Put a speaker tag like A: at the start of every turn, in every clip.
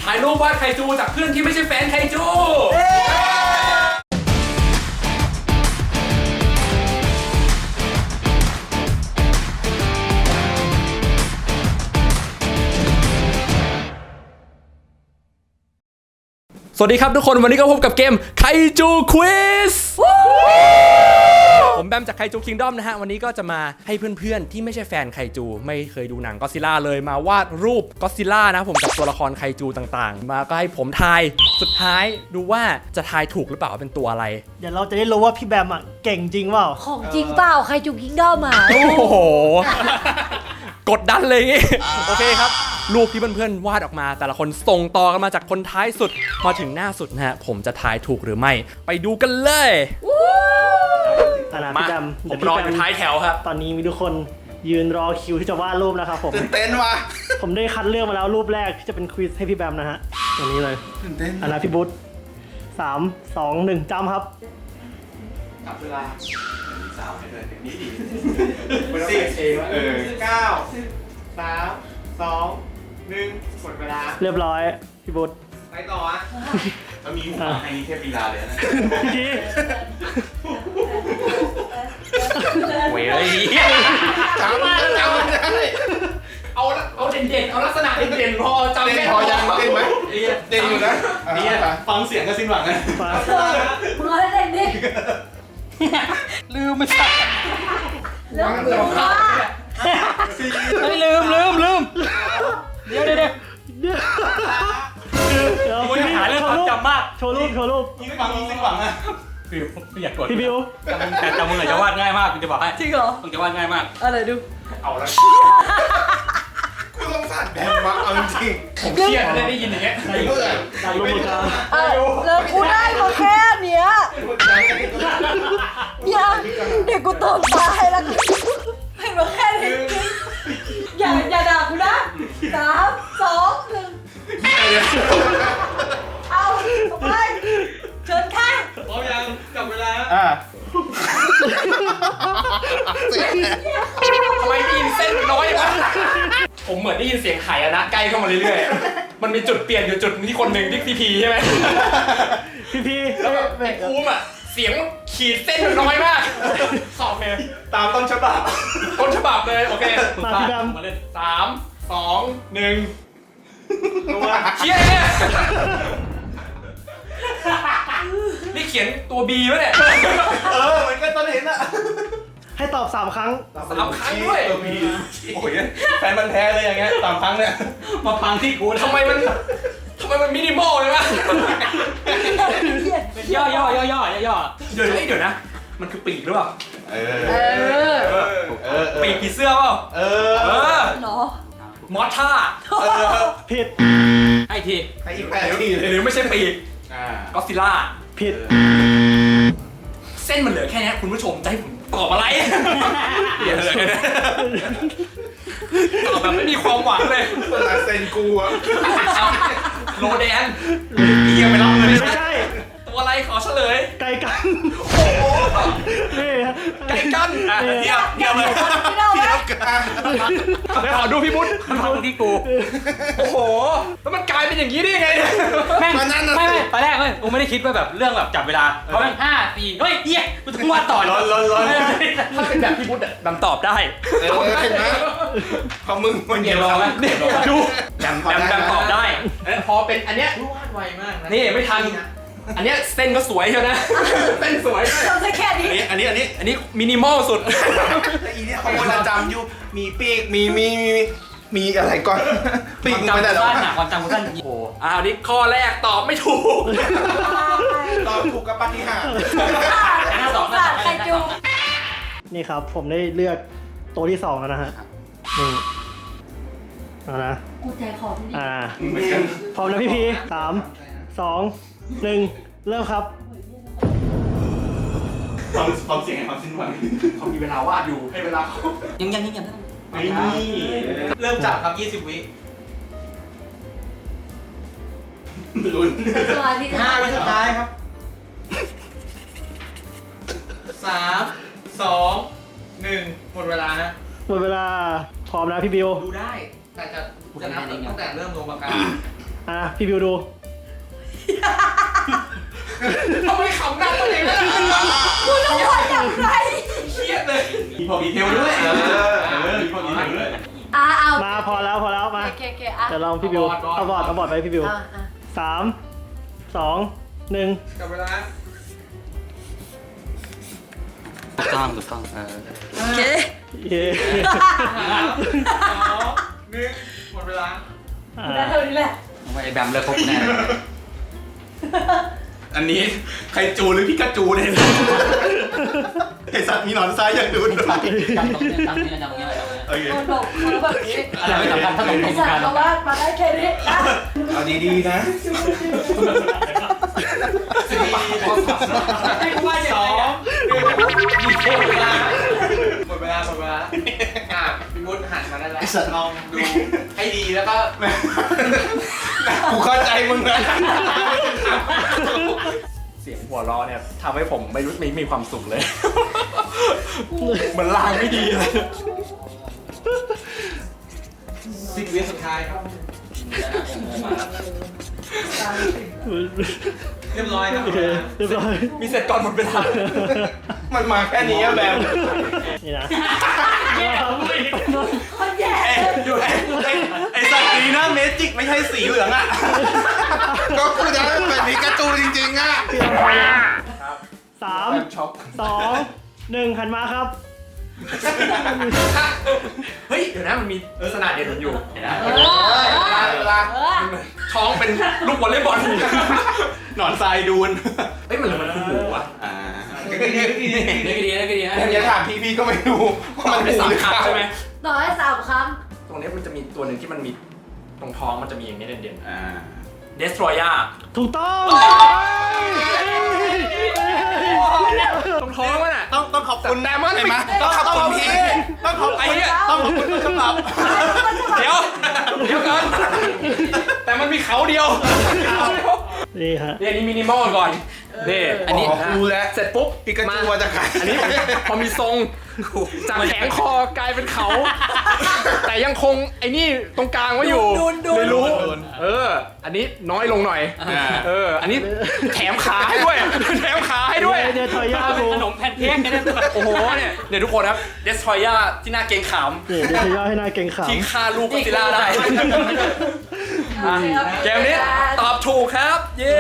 A: ถ่ายรูปวาดไคจูจากเพื่อนที่ไม่ใช่แฟนไคจูสวัสดีครับทุกคนวันนี้ก็พบกับเกมไคจูควิสผมแบมจากไคจูคิงดอมนะฮะวันนี้ก็จะมาให้เพื่อนๆที่ไม่ใช่แฟนไคจูไม่เคยดูหนังก็อดซิลล่าเลยมาวาดรูปก็อดซิลล่านะผมกับตัวละครไคจูต่างๆมาก็ให้ผมทายสุดท้ายดูว่าจะทายถูกหรือเปล่าว่าเป็นตัวอะไร
B: เดี๋ยวเราจะได้รู้ว่าพี่แบมอ่ะเก่งจริงเปล่า
C: ของจริงเปล่าใครจุกยิงด้อมา
A: โอ้โหกดดันเลยงี้โอเคครับรูปที่เพื่อนๆวาดออกมาแต่ละคนส่งต่อกันมาจากคนท้ายสุดมาถึงหน้าสุดนะฮะผมจะทายถูกหรือไม่ไปดูกันเลย
B: พี่แบม
A: ผมรออยู่ท้ายแถวครับ
B: ตอนนี้มีทุกคนยืนรอคิวที่จะวาดรูปนะครับผม
D: ตื่นเต้นว่ะ
B: ผมได้คัดเลือกมาแล้วรูปแรกที่จะเป็นควิสให้พี่แบมนะฮะตรงนี้เลย
D: ตื่นเต้น
B: พี่บุ๊ท3 2 1จำครับ
D: จับเวลาสาวให้เลยนี่ดี10 9 3 2 1หมดเวลา
B: เรียบร้อยพี่บุ๊ท
D: ไปต่ออ่ะมันมีหัวในนี้เทพลีลาเลยนะ
B: พี่
A: เว้ย
D: จำไม่ได้
A: เอาเด่นๆเอาลักษณะเด่นๆพอจำไม่
D: พอยังเด่นไหมเด่นอยู่นะ
A: นี่ฟังเสียงก็สิ้นหวังนะ
C: มึงเอาให้เด่นดิ
A: ลืมไม่ใช่
C: เรื่องเกี่ยวกับ
A: ไม่ลืมเดี๋ยวหาเรื่องความจำมาก
B: โชว์รูป
A: ยิ่งฟังยิ่งสิ้นหวังอะพี่อยากกด
B: พี่บิว
A: แต่จำมึงหน่อยจะวาดง่ายมากคุณจะบอกให้
C: จริงเหรอ
A: มึงจะวาดง่ายมาก
C: อะไรดู
D: เอาละกูต้องสั่นแบบมาเอาจริง
A: ผมเครียดได้ยินอย่างเงี้ย
B: ดันลงมือกัน
C: แล้วกูได้มาแค่เนี้ยเดี๋ยวกูตบตายแล้วให้มาแค่นี้อย่าด่ากูนะ3 2 1เอาไปเชิญค่ะ
A: พร้อมยังจับเวลาทำไมได้ยินเส้นน้อยวะผมเหมือนได้ยินเสียงไข่อะนะใกล้เข้ามาเรื่อยๆมันมีจุดเปลี่ยนอยู่จุดที่คนหนึ่งที่พีใช่ไหม
B: พี
A: แล้วแบบภูมิอะเสียงขีดเส้นน้อยมากสอบเลย
D: ตามต้นฉบับ
A: เลยโอเค
B: มาพี่แบม
A: มาเล่น3 2 1ตัวเชี่ยเนี่ยนี่เขียนตัว B วะเนี่ย
D: เหมือนกันตอนเห็นอะ
B: ให้ตอบ3 ครั้ง
A: 3 ครั้งด้วย
D: ตัว B โอ้ยแฟนมันแท้เลยอย่างเงี้ย3 ครั้งเนี่ย
A: มาพังที่กูทำไมมันมินิมอลเลยวะย่อเดี๋ยวนะมันคือปีกหรือเปล่าปีกผีเสื้อเปล่า
C: เนาะ
A: มอสท่า
B: ผิด
A: ให้ที
D: ให้อีก8 ที
A: หรือไม่ใช่ปีกก็อดซิลล่า
B: ผิด
A: เส้นมันเหลือแค่นี้คุณผู้ชมจะให้ผมตอบอะไรตอบแบบไม่มีความหวังเลย
D: เส้นกูอะ
A: โลแดนเกียร์ไปรับเลย
B: ไม่ใช่
A: ตัวอะไรขอเฉลย
B: ไก่กัน
A: โอ้โห
B: นี่
A: ไก่กันเทียบเลยขอดูพี่บุ๊ทมันพังที่กูโอ้โหแล้วมันกลายเป็นอย่างนี้ได้ยังไงแม่งไม่ตอนแรกเฮ้ยกูไม่ได้คิดว่าแบบเรื่องแบบจับเวลาเพราะแม่ง5 4เฮ้ยเหี้ยกูต้องวาดต่อถ้าเป็นแบบพี่บุ๊ทดำตอบได้
D: เห็นไหมพอมึงมัน
A: เกี่ยวรอไหมดูดำตอบได้พอเป็นอันเนี้ยวาดไวมากนี่ไม่ทันอันนี้เส้นก็สวยเชียวนะเส้นสวย
C: ทำได้แค่นี้
A: อันนี้มินิมอลสุด
D: แต่อีเนี่ยเขาควรจะจำอยู่มีปีกมีอะไรก่อน
A: ปีกมันแต่ละความจำสั้นโอ้นี่ข้อแรกตอบไม่ถูก
D: ตอบถูกกับปฏิหาร
C: ใครจู
B: นี่ครับผมได้เลือกตัวที่2แล้วนะฮะนี่เอานะ
C: กูใจคอพี่
B: พร้อมนะพี่3 2 1เริ่มครับ
D: ความเสี่ยงความสิ้นหวัง
A: เขามีเวลาวาดอยู่ให้เวลาเขายัง
D: เริ่มจับครับ20 วิลุ้น
C: 5
D: วิสุดท้ายครับ3 2 1หมดเวลานะ
B: หมดเวลาพร้อมนะพี่บิว
D: ดูได้แต่จะนับตั้งแต่เริ่มลงปากกา
B: พี่บิวดู
D: ทำไมขำหนักตัวเองล่ะ
C: กูต้องวาดอย่างไร
D: เครียดเลยมีพอดีเทลด้วยมีพอดีเทลด้วย
C: เอา
B: มาพอแล้วมา
C: โอเคอ่ะ
B: เดี๋ยวลองพี่บิวเอาบอร์ดไปพี่บิว
C: อ่ะ
B: 3 2 1
D: กลับเวลา
A: ถูกต้อง
C: โอเค
B: เย้
D: หมดเวลา
C: ได้เท่านี้แหละ
A: ไอ้แบมเลิกคบแน่
D: อันนี้ใครจูหรือพิกาจูเนี่ยไอสัตว์มีหนอนทรายอย่างดูด
A: จำตรงนี้จำตรงนี้
D: โอเค
C: โดนบอกเขาแบบนี้
A: อะไรไม่สำคัญถ้าตรง
C: ไอ้
A: กั
C: สัต
A: น
C: ว์เขาวาดมาได้แค่นี้นะ
D: เอาดีๆนะให้กูว่าอย่างไรอ่ะหมดเวลาพี่วุฒิหันมาได้แล้วลองดูให้ดีแล้วก็กูเข้าใจมึงนะเสียงหัวเราะเนี่ยทำให้ผมไม่มีความสุขเลยเหมือนลางไม่ดีเลย10 วิสุดท้ายครับเรียบร้อยครับ
B: โอเคเรียบร้อย
D: มีเสร็จก่อนหมดเวลามันมาแค่นี้อะแบบ
B: นี่นะ
C: คนแย่
D: ไอ้สัตว์นี้นะเมจิกไม่ใช่สีเหลืองอ่ะก็คือจะเป็นพิกาจูจริงๆอ่ะ
B: 3
D: ช็อก
B: 2 1หันมาครับ
D: เฮ้ยเดี๋ยวนะมันมีลักษณะเด่นอยู่
C: เวลา
D: ท้องเป็นลูกวอลเลย์บอลหนอนทรายดูนเฮ้ยมันคือหมูอ่ะ
A: นี่ก็ดีนะ
D: อย่าถามพี่ก็ไม่รู้ว่ามันเป็น3 ครั้งใช่ไหม
C: ต่อให้3 ครั้ง
D: ตรงนี้มันจะมีตัวหนึ่งที่มันมีตรงท้องมันจะมีอย่างนี้เด่นๆเดสทรอยา
B: ถูกต้อง
D: ตรงท้องมันอ่ะต้องขอบคุณแดมอนต้องขอบคุณพี่ต้องขอบไอ้เนี่ยต้องขอบคุณต้นฉบับเดี๋ยวก่อนแต่มันมีเขาเดียว
B: นี่ฮะ
D: นี่อันนี้มินิมอลก่อนนี่อันนี้รู้แล้วเสร็จปุ๊บปิกาจูมาจากไหนอันนี้พอมีทรงจากแขนคอกลายเป็นเขา แต่ยังคงไอ้นี่ตรงกลางไว้อยู่ไม่รู้อันนี้น้อยลงหน่อยอันนี้แถมขาให้ด้วยแถมขาให้ด้วย
B: เดี๋ยวถอยยา
A: เป็
B: กู
A: นขนมแพนเค้กกันเนี่ย
D: โอ้โหเนี่ยทุกคนครับเดสทรอยาที่น่าเกรงขาม
B: นี่เดี๋ยวถอยยาให้หน้าเก่งขาม
D: ที่ฆ่าลูกก็อดซิลล่าได้เกมนี้ตอบถูกครับ เย้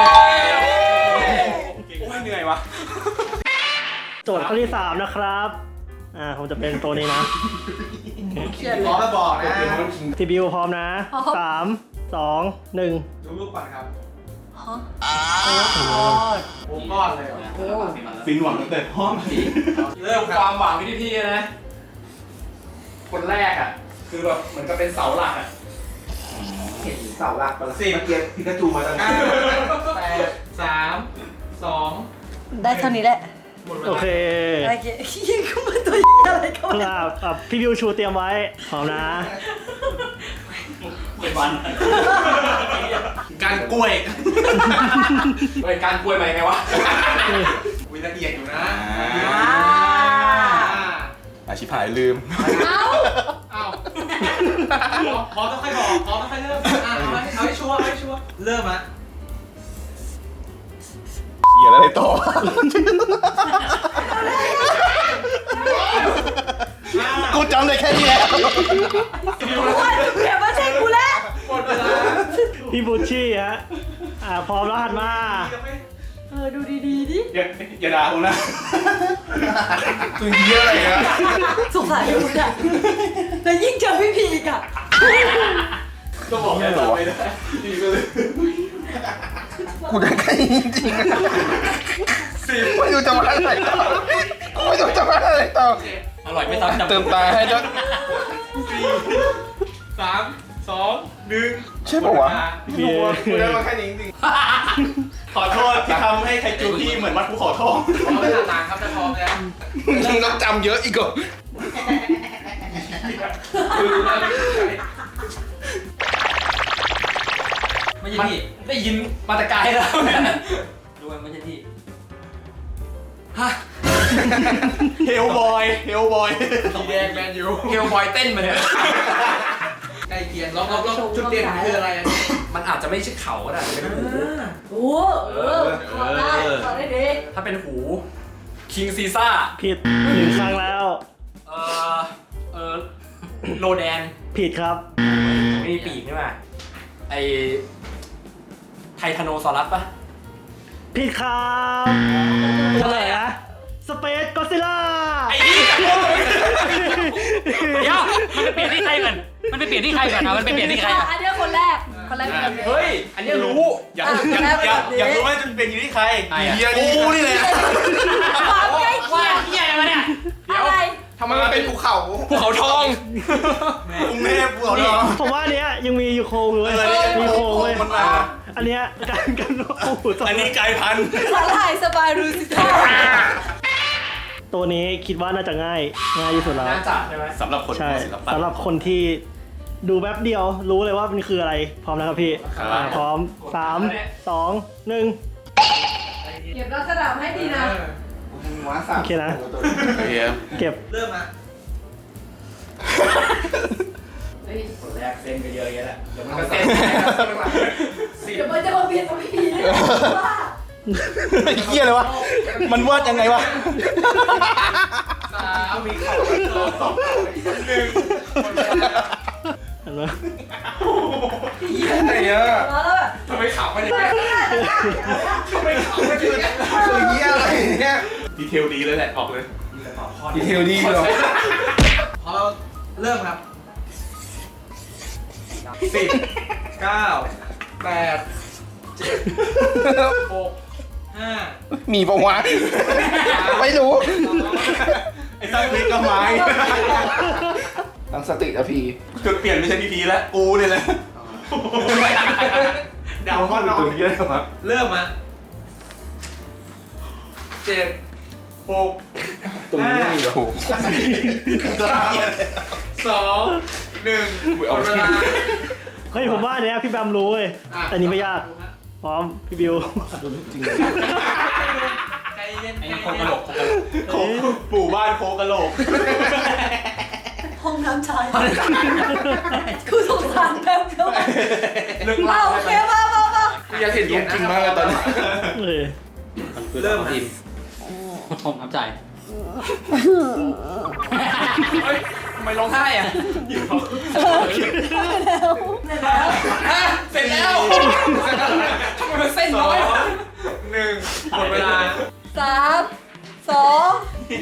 D: โอ้ยเหนื่อยวะ
B: โจทย์ข้อที่ 3 นะครับ ผมจะเป็นตัวนี้นะ
C: เขียนเล
D: ขอย มาบอกนะ
B: ทีบิวพร้อมนะ 3 2 1
D: ดูรูปก่อนครับ
C: ฮะ
D: โอ้ก้อนเลย
E: ฟินหวังตั้งแต่ห้อง
D: เริ่มความหวังที่พี่นะ คนแรกอ่ะ คือแบบเหมือนกับเป็นเสาหลักอ่ะ
E: เห็นเสาหลักปะล่ะเมื่อกี้พิกาจูมาตั้งแต่
D: 8 3 2
C: ได้เท่านี้แหละ
D: หมดเว
B: โอ
D: ลา
B: เค
C: โอเคยิงเข้ามาตัวอะไรก็ไม่รู้
B: พี่บิวชูเตรียมไว้ พร้อมนะ
A: เป็นวัน
D: การกล้วยเฮ้ยการกล้วยมายังไงวะวิละเอียดอยู่นะ
E: อาชิพายลืม
D: อ้าวพอต้องค่อยบอกพอต้องค่อยเริ่มเอาให้ชัวร์เริ่มอ่ะ
E: เขียนอะไรต่อ กูจำได้แค่นี้แหละ
C: เดี๋ยวมาใช่กูแล้ว
D: หมดเวลา
B: พี่บูชชี่ฮะ พร้อมแล้วหันมา
C: ดูดีๆดิ
E: อย่าด่าผมนะ
D: คือเยอะอะไรนะ
C: สงสารคุณอ่ะแล้วยิ่งเจอพี่พีอีกอ่ะ
D: ก็บอกแค่ต่อไม่ได้ดีก็เลย
E: กูได้แค่นี้จริงๆไม่รู้จะมาอะไรต่อไม่รู้จะมาอะไรต่อ
A: อร่อยไม่ซ้ำจำ
E: เติมตาให้ด้วย
D: 3 2 1
E: ใช่ปะวะ
D: กูได้มาแค่นี้จริง
E: ขอโทษที่ทำให้ไคจูพี่เหมือนวัดภูเขาทอง
D: พร้อมแล้วต่างครับถ้าพร้อมแล้ว
E: มึงต้องจำเยอะอีกเหรอ
A: ไม่ใช่ที่
D: ได้ยินมาแต่ไกลแล้ว
A: ดูมันไม่ใช่ที่
E: เฮลบอย
D: สีแดงแมนยูเฮลบอยเต้นมาเนี่ยใกล้เคียงล็อกจุดเด่นคืออะไรมันอาจจะไม่ใช่เขาก็ได้อาจจะเป็นหู
C: โอ้ขอได้ขอได้ดี
D: ถ้าเป็นหูคิงซีซ่า
B: ผิด1 ครั้งแล้ว
D: เออเออโลแดน
B: ผิดครับ
D: ไม่มีปีกใช่ไหมไอไททานโนซอรัสปะ
B: ผิดครับเฉลยนะสเปซก็ซิล่า
A: ไอ้นี่เดี๋ยวมันไปเปลี่ยนที่ใครก่อนมันไปเปลี่ยนที่ใครก่อนเอามันไปเปลี่ยนที่ใครก่อน
C: อันนี้คนแรกเป็นแบบนี้
D: เฮ้ย อันเนี้ยรู้
C: อยากรู้ว่าจะเป็นอยู่ที่ใคร
E: เฮียนี่กูนี่แหละ
C: ความใกล้เคี
A: ว่าย
C: ง
A: เฮียอะไรมาเนี่ย
C: อะไร
D: ทำไมมันเป็น
E: ภูเขา
D: ภูเขาทอง
E: กรุงเทพภูเขาทอง
B: ผมว่าอันเนี้ยยังมีอยู่โครงอยู่เว้ยมีโครงเว้ย
E: มันมา
B: อันเนี้ยกันโอ้โห
E: อันนี้ไกลพันธุ์
C: สาหร่ายสบายรูสิท่า
B: ตัวนี้คิดว่าน่าจะง่ายที่สุดแล้ว
D: น่าจะใช่ไหม
E: สำหรับคน
B: ใช่
E: ศิลปะ
B: สำหรับคนที่ดูแป๊บเดียวรู้เลยว่ามันคืออะไรพร้อมนะครับพี่
E: ครับ
B: พร้อม3 2 1
C: เก็บลักษณะให้ดีนะ
B: โอเคนะ
E: เฮีย
B: เก็บ
C: เริ่มมา
D: คนแรกเส้นไปเยอะแยะแหละเดี๋ยวมันก็เส้น
C: เดี๋ยวมันจะมาเบียดกับพี่นะว่า
E: ไอ้เฮียเลยวะ มันวาดยังไงวะ
D: 3มีเขาสอง1
B: เห็นไหม
E: ไอ้เนี้ย
C: แล้วแบบ
D: ทำไมขำมันอย่างเงี้ยทำไมขำมันอย่างเงี้ย
E: คือเฮียอะไรเนี่ย
F: ดีเทลดีเลยแหละ ออกเลย
E: ดีเทลดีเหรอ
F: พอเราเริ่มครับ 10 9 8 7 6 5
E: มีปะวะไม่รู้
F: ไอ้ตั้งพลิกก็ไม้
E: ตั้งสตินะพี่
F: จุดเปลี่ยนไม่ใช่พีพีแล้ว กูเนี่ยแหละเดาข้อนอนเยอะครับเริ่มมา7 6
E: ตรงนี้ไม่มีเหรอ
F: 2 1หมดเวลา
B: เฮ้ยผมว่าอันเนี้ยพี่แบมรู้เว้ยอันนี้ไม่ยากพร้อมพี่บิว
F: ใจเย็น
A: ไอ้นี่โครงกระโหลก
F: โคกปู่บ้านโคกกะโหลก
C: ห้องน้ำชายกูสงสารแมวเขา
D: เรื่อง
C: เอา
D: เล่า
C: โอ
D: ใช่
C: เค
D: ไหม
C: มา
E: กูอยากเห็นรูปจริงมากเลยตอนนี้
B: เออ
F: เริ่มทีม
A: ผมทำใจ
D: เฮ้ยทำไมร้องไห้อ่ะ เสร็จแล้วทำไมมันเส้นน้อยวะ
F: 1หมดเวลา
C: 3 2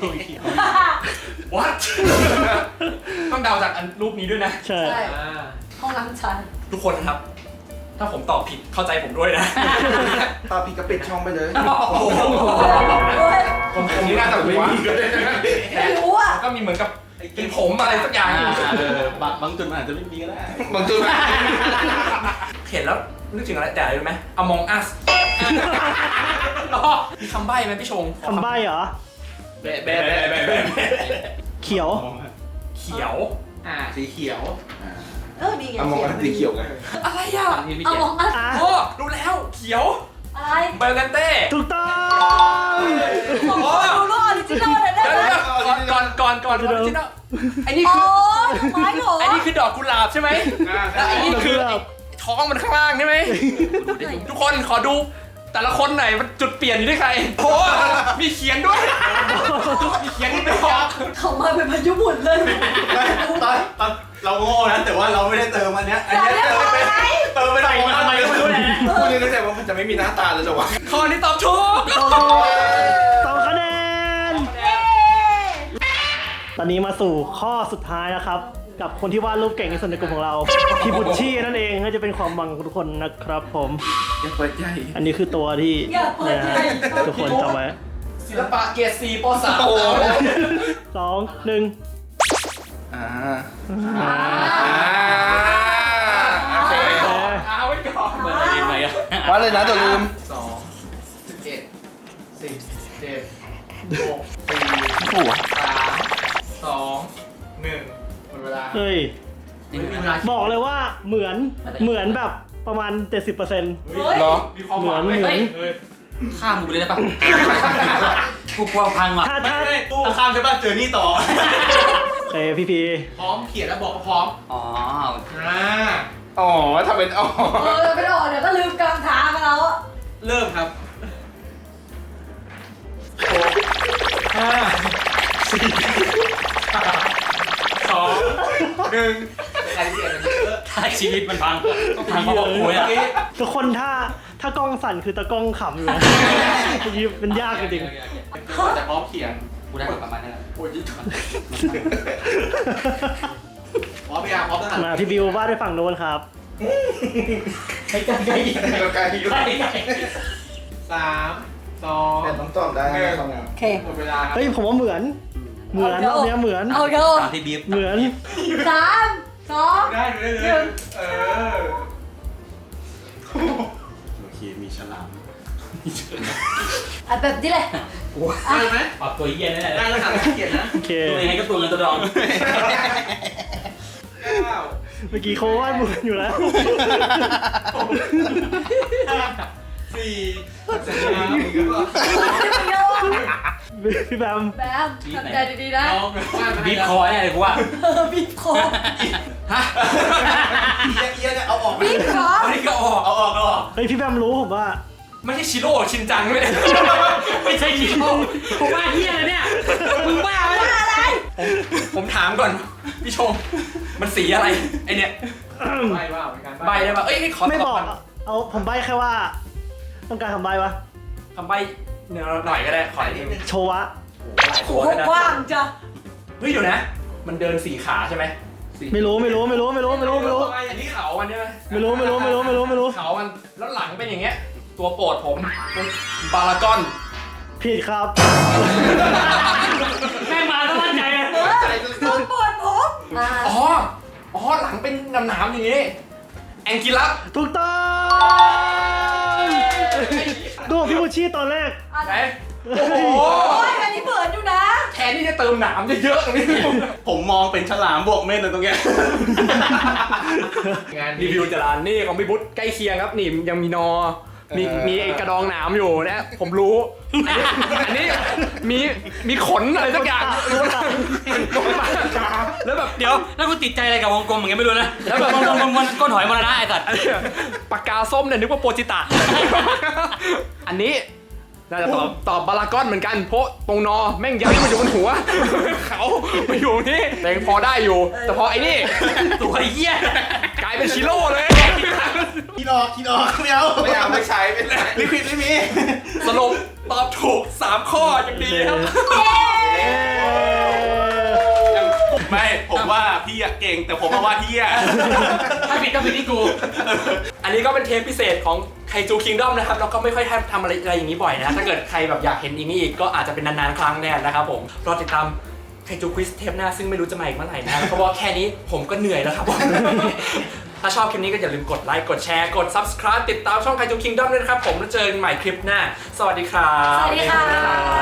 C: 1
D: What ต้องเดาจากอันรูปนี้ด้วยนะ
B: ใช่
C: ใช่ห้องน้ำชาย
D: ทุกคนนะครับ ถ้าผมตอบผิดเข้าใจผมด้วยนะ
E: ตาพี่ก็ปิดช่องไปเลย
D: โอ้โห ผมนี่น่าจะไม่มีก็ได้นะ
C: ไม่รู้อ่ะ
D: ก็มีเหมือนกับเป็นผมอะไรสักอย่างอยู่
F: บางจุดมันอาจจะไม่มีก็ได้
E: บางจุด
D: เห็นแล้วนึกถึงอะไรแต่อะไรรู้ไหม Among Us มีคำใบ้ไหมพี่ชง
B: คำใบ้เหรอ
F: แบะแบะแบะแบะแบะ
B: เขียว
D: เขียว
F: สีเขียว
C: ดีไง
E: เอามองกันสีเขียวไง
D: อะไรอ่ะ
C: เอามองอัน
B: อ่ะ
D: โอ้รู้แล้วเขียว
C: อะไร
D: เบลกันเต้
B: ถูกต้อง
C: ดูรูปออริจินอลเลยได้
D: เดี๋ยว
C: ไหม
D: ก่อนออริจินอลไอ้นี่
C: อ๋อ
D: คือ
C: ไม้เหรอ
D: ไอ้นี่คือดอกกุหลาบใช่ไหมแล้วไอ้นี่คือไอ้ท้องมันข้างล่างใช่ไหมทุกคนขอดูแต่ละคนหน่อยมันจุดเปลี่ยนอยู่ที่ใครโอ้มีเขียนด้วย มีเขียนด้วย
C: เขามาเป็นพายุหมุนเลย
F: ตอนเราโง่นะแต่ว่าเราไม่ได้เติมอันเนี้ย อัน
C: อย่า
F: เนี้ย
C: เรียกว่าอะไร
F: เติมไปหน่อย
A: ทำไมก็ไม่รู้เลย
E: กูนึกแต่ว่ามันจะไม่มีหน้าตาเลยเหรอวะ
D: ข้อนี้ตอบถูก
B: 2 คะแนน
C: เย้
B: ตอนนี้มาสู่ข้อสุดท้ายนะครับ กับคนที่วาดรูปเก่งที่สุดในกลุ่มของเราพี่บุชชี่นั่นเองก็จะเป็นความหวังของทุกคนนะครับผม
E: อย่าเปิดใหญ่
B: อันนี้คือตัวที่
C: อย่าเปิดใจ
B: ทุกคนจำไว้
D: ศิลปะเกรด4ป .3
B: 2 1
E: อ่า
B: อ่า
E: โอเค
D: เอาไว้ก่อน
A: เหมือนอะไรไหมอะ
E: วัดเลยนะตัวลืม
F: 11 10 7 6
E: ถูก
F: 4 3 2 1หมดเวลา
B: เฮ้ย
A: นี่มีเวลา
B: บอกเลยว่าเหมือนแบบประมาณ 70%
C: เฮ้ย
E: เหรอ
D: มีความหวังไหม
B: เหมือน
D: เฮ้ย
A: ข้ามกูไปเลยได้ปะกูกลัวพังว่ะ
B: ถ้า
F: ถ้าข้ามใช่ป่ะเจอนี่ต่อ
B: พี่พี
F: พร้อมเขียนแล้วบอกว่าพร้อม
A: อ๋อ
F: อ่า
E: อ๋อถ้าเป็นอ๋อ
C: ไปออกเดี๋ยวก็ลืมกลางทางแล้วอะ
A: เริ่มครับ
F: 2 1
A: ใครเสียถ้าชีวิตมันพังต้องพังเพราะว่าโวยอ่ะ
B: ทุกคนถ้ากล้องสั่นคือตากล้องขำอยู่นะยืมเป็นยากจริง
F: จะพร้อมเขียน
A: กูได้ประมาณนั้นแหละ
F: โอ้ยยิ่งพร้อมยังพร้อมทหาร
B: ๆมาพี่บิววาดด้วยฝั่งโน้นครับ
A: ใกล้ๆใกล้
E: เราการที่
A: ใกล้
F: 3 2
E: แต่ต้องตอบได้นะครับ
C: โอเค
F: หมดเวลาครับ
B: เฮ้ยผมว่าเหมือนรอบเนี้ยเหมือน
C: เอาเถอะ
A: ตามที่บีฟ
B: เหมือน
C: 3 2
F: ได้เลยเออ
A: โอเคมีฉลาม
C: อ่ะแบบนี้เลย
F: ได้ไหม
A: ปรับตัวเย็นนั่นแห
F: ได้
A: ละ
F: แล้วค่ะเขียนนะ
B: โอเค
A: ตัวยังไงก็ตัวเงินตัวทอง
F: 9
B: เมื่อกี้เขาวาดเหมือนอยู่แล้ว
F: 4
B: พี่แบม
C: แบมทำใจดีๆนะ
A: บีฟคอแน่เลยกูว่า
C: บีบคอ
A: ฮะ
F: เอียเนี่ยเอาออก
C: บีบคอ
A: อันนี้ก็ออก
F: เอาออกเอาออก
B: เฮ้ยพี่แบมรู้ผมว่า
D: ไม่ใช่ชิโร่ชินจังไม่ได้
A: ไม่ใช่ชีโร่ผมว่าเฮียอะไรเนี่ยมึงบ้าไหม
C: อะไร
D: ผมถามก่อนพี่ชม มันสีอะไรไอเนี่ย
F: ใบว่าเหมือนกัน
D: ใบได้ปะเอ้ยขอ
B: ไม่
D: ต
B: บอก
D: ก่น
B: เอาผมใบ้แค่ว่า ต้องการคำใบ้ปะ
D: ทำใบหน่อยก็ได้ขอนิดนึง
B: โชวะ
D: หลาย
C: โห
D: ตัวเลยนะ
C: กว้างจ้ะ
D: เฮ้ยเดี๋ยวนะ มันเดิน4 ขาใช่ไหม
B: ไม่รู้
D: อันนี้เขามันใช่ไหม
B: ไม่รู้
D: เขามันแล้วหลังเป็นอย่างเงี้ย ตัวโปรดผมบารากอน
B: ผิดครับ
A: แม่งมาแล้วมั่นใจเลย
C: ตัวปวดผมอ่า
D: อ๋อหลังเป็นหนามๆอย่างงี้แองกิลัส
B: ถูกต้องดูพี่บูชี่ตอนแรก
D: ไหนโอ้โห
C: โอ้ยอันนี้เหมือนอยู่นะ
D: แทนที่จะเติมหนามเยอะๆตรงนี้
F: ผมมองเป็นฉลามบวกเม่นเลยตรงเนี้ย
D: งานรีวิวจรานนี่ของพี่บุ๊ทใกล้เคียงครับนี่ยังมีนอ มีไอ้กระดองหนามอยู่นะผมรู้ อันนี้มีขนอะไรสักอย่างรู้นะแล้วแบบ
A: เดี๋ยวแล้วกูติดใจอะไรกับวงกลมอย่างเงี้ยไม่รู้นะแล้วแบบวงกลมมันก้นหอยมรณะไอ้สัตว์
D: ปากกาส้มเนี่ยนึกว่าโปรจิตะ อันนี้น่าจะตอบบารากอนเหมือนกันเพราะตรงนอแม่งย้ายมาอยู่บนหัว เขามาอยู่นี่แต่ยังพอได้อยู่ แต่พอไอ้นี่
A: ตัวเหี้ย
D: กลายเป็นชิโร่เลย
F: คิดออกไม่เอาไม่ใช้เป็นลิควิดไม่มี
D: สรุปตอบถูก3 ข้ออย่างดีครับ
F: ไม่ผมว่าพี่อะเก่งแต่ผมว่าพี่อะ
A: ถ้าผิดก็ผิดที่กู
D: อันนี้ก็เป็นเทปพิเศษของไคจูคิงดอมนะครับเราก็ไม่ค่อยทำอะไรอย่างนี้บ่อยนะถ้าเกิดใครแบบอยากเห็นอีกนี่อีกก็อาจจะเป็นนานๆครั้งแน่นะครับผมรอติดตามไคจูควิสเทปหน้าซึ่งไม่รู้จะมาอีกเมื่อไหร่นะเพราะว่าแค่นี้ผมก็เหนื่อยแล้วครับผม ถ้าชอบคลิปนี้ก็อย่าลืมกดไลค์กดแชร์กด subscribe ติดตามช่องไคจูคิงดอมด้วยนะครับผมแล้วเจอกันใหม่คลิปหน้าสวัสดีครับ
C: สวัสดีค่ะ